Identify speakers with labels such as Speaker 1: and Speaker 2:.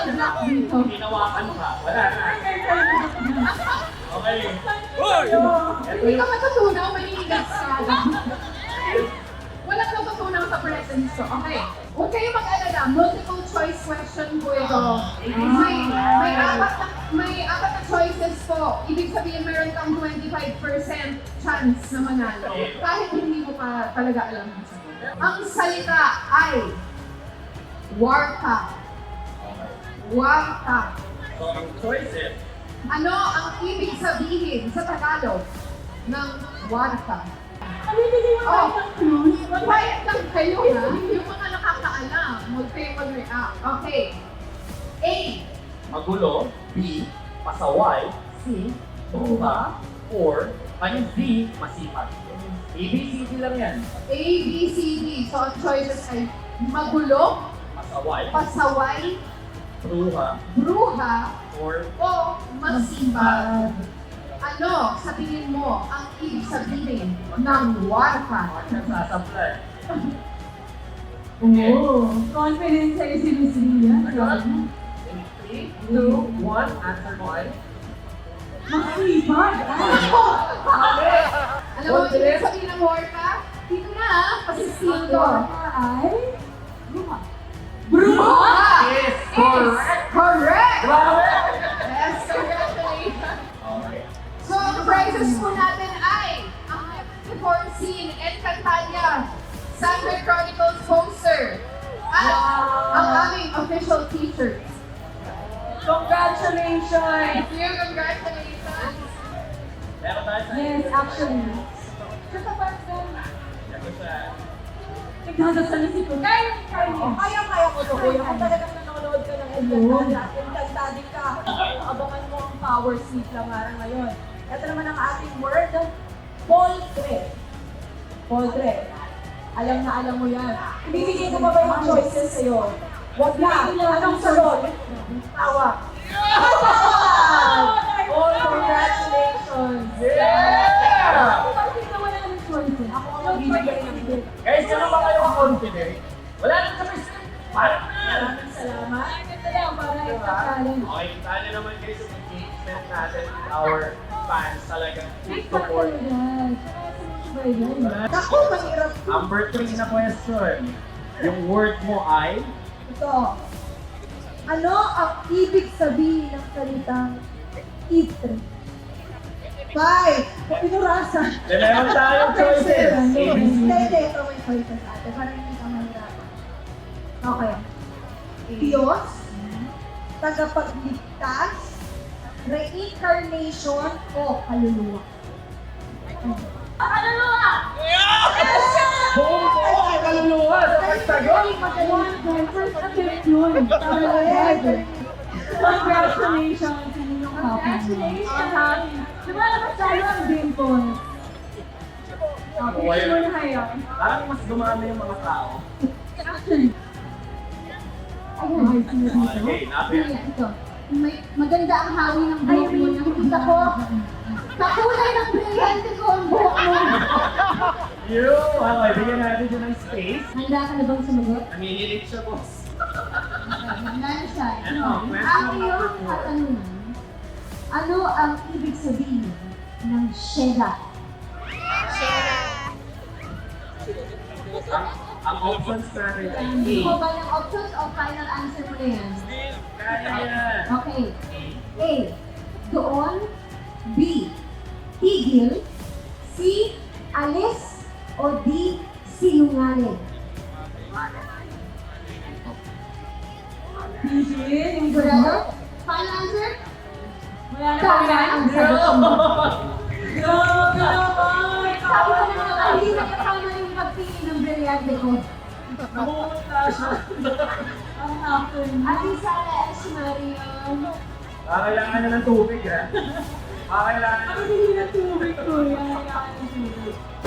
Speaker 1: Bad luck dito.
Speaker 2: Hinawakan ka. Wala na. Okay.
Speaker 1: Hindi ka matutunaw, maninigas ka. Walang natutunaw sa presence ko. Okay. Huwag kayong mag-alala. Multiple choice question po ito. May apat na choices po. Ibig sabihin meron kang 25% chance na manalo. Kahit hindi mo pa talaga alam ang sagot. Ang salita ay warta. Warta.
Speaker 2: So, ang choices,
Speaker 1: Ano ang ibig sabihin sa Tagalog ng warta?
Speaker 3: Pabibigyan mo tayo ng clues.
Speaker 1: Quiet lang kayo ha. Yung mga nakakaalam, huwag kayong mag-react. Okay. A.
Speaker 2: magulo. B, pasaway. C, tuha. Or, yung D, masipag. ABCD lang yan.
Speaker 1: A, B, C, D. So ang choices ay magulo,
Speaker 2: Pasaway,
Speaker 1: pasaway,
Speaker 2: tuha,
Speaker 1: bruha,
Speaker 2: or
Speaker 1: o masipag. Ano sa tingin mo ang ibig sabihin ng warta?
Speaker 2: nagsasablay.
Speaker 3: Oo. Confidence sa'yo si Miss Ria.
Speaker 2: In 3, 2, 1, answer mo ay?
Speaker 3: Masipag.
Speaker 1: Alam mo, ibig sabihin ng warta? Dito na ha, kasi sino?
Speaker 3: Ay? Bruha.
Speaker 1: Bruha!
Speaker 2: Yes! Correct!
Speaker 1: Correct!
Speaker 2: Grabe!
Speaker 1: Yes, congratulations!
Speaker 2: Okay.
Speaker 1: So, ang prizes po natin ay ang perform scene Encantadia, Sacred Chronicles poster, at ang aming official t-shirt.
Speaker 3: Congratulations!
Speaker 1: Thank you, congratulations!
Speaker 2: Meron tayo sa
Speaker 3: Yes, actually. Sa tapat ka.
Speaker 2: Meron siya.
Speaker 3: Nagdadasal na si Kuya.
Speaker 4: Kaya ko to, kuya. Kung talagang nanonood ka ng Encantadia ka, abangan mo ang power sleep lang araw ngayon. Ito naman ang ating word, poultry. Poultry. Alam na alam mo yan. Ibibigay ko pa ba yung choices sa'yo? Wag na. Anong sagot? Tawa. Oh, congratulations!
Speaker 2: Yeah!
Speaker 3: Bakit na wala ng choices?
Speaker 4: Ako ang magbibigay ng gift.
Speaker 2: Guys, sino ba kayo confident? Wala nang kami parang na!
Speaker 4: Maraming salamat.
Speaker 3: Ito lang, para ipakalan.
Speaker 2: Okay, kita nyo naman guys yung engagement natin with our fans talagang full support.
Speaker 4: Naku, mahirap.
Speaker 2: Number 3 na question. Yung word mo ay
Speaker 4: Ito. Ano ang ibig sabihin ng salitang itre? 5. Pinurasa.
Speaker 2: meron tayong choices.
Speaker 4: Hindi,
Speaker 2: ABC.
Speaker 4: ito may choices ate. Para hindi ka mahirapan. Okay. Diyos, tagapagligtas, reincarnation, o kaluluwa.
Speaker 3: Kaluluwa!
Speaker 2: Buong buo, kaluluwa sa pagsagot.
Speaker 3: First attempt yun. Congratulations sa inyong couple. Diba naman tayo ang dimples? Okay,
Speaker 2: Why?
Speaker 3: mo na kayo.
Speaker 2: Parang mas dumami yung mga tao.
Speaker 3: Actually. Ayun, sino dito?
Speaker 2: Okay, napin.
Speaker 1: Ito. Maganda ang hawi ng buhok mo. Nakikita ko. Kakulay ng brilyante ko ang buhok mo.
Speaker 2: Okay, bigyan natin dyan ng space.
Speaker 1: Handa ka na bang sumagot?
Speaker 2: Nanginginig siya, boss.
Speaker 1: Handa na siya.
Speaker 2: Ano?
Speaker 1: Ang iyong katanungan, ano ang ibig sabihin ng Shera?
Speaker 2: Ang options natin ay A.
Speaker 1: Hindi ko ba yung options o final answer mo na yan?
Speaker 2: Kaya yan.
Speaker 1: Okay. A. Doon. B. Tigil. C. Alis. O D. Sinungaling.
Speaker 3: Tigil, yung
Speaker 1: Sigurado? Final answer?
Speaker 3: Wala na
Speaker 1: Tama ang sagot mo.
Speaker 3: Grabe naman!
Speaker 1: Sabi ko na nga, hindi na tama yung pagtingin ng brilyante ko.
Speaker 2: Nakumunta siya.
Speaker 3: Ang hapon.
Speaker 1: Ate Sara S. Marion.
Speaker 2: Kakailangan na ng tubig, ha? Kakailangan
Speaker 3: Ako hindi na tubig ko. Yan, kailangan ng tubig.